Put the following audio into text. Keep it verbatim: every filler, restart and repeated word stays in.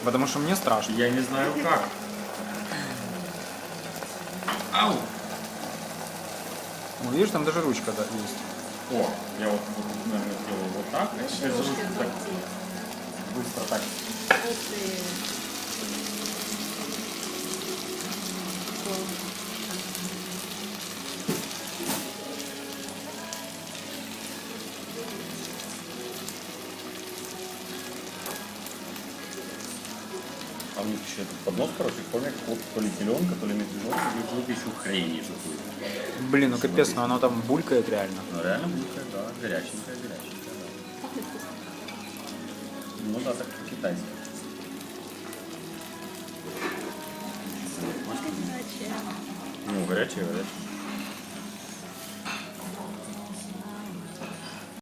Потому что мне страшно. Я не знаю как. Ау! Ну, видишь, там даже ручка да, есть. О, я вот, наверное, сделаю вот так. Знаешь, Без ложки руки так золотые. быстро так. Ух ты. Класс. А у них еще этот поднос, короче, помню, как то ли зеленка, то ли медвежонка, и вот еще хрень какую-то. Блин, ну капец, но оно там булькает реально. Ну реально булькает, да, горяченькая, горяченькая, да. Пахнет вкусно. Ну да, так по-китайски. Горячая. Ну, горячая, горячая.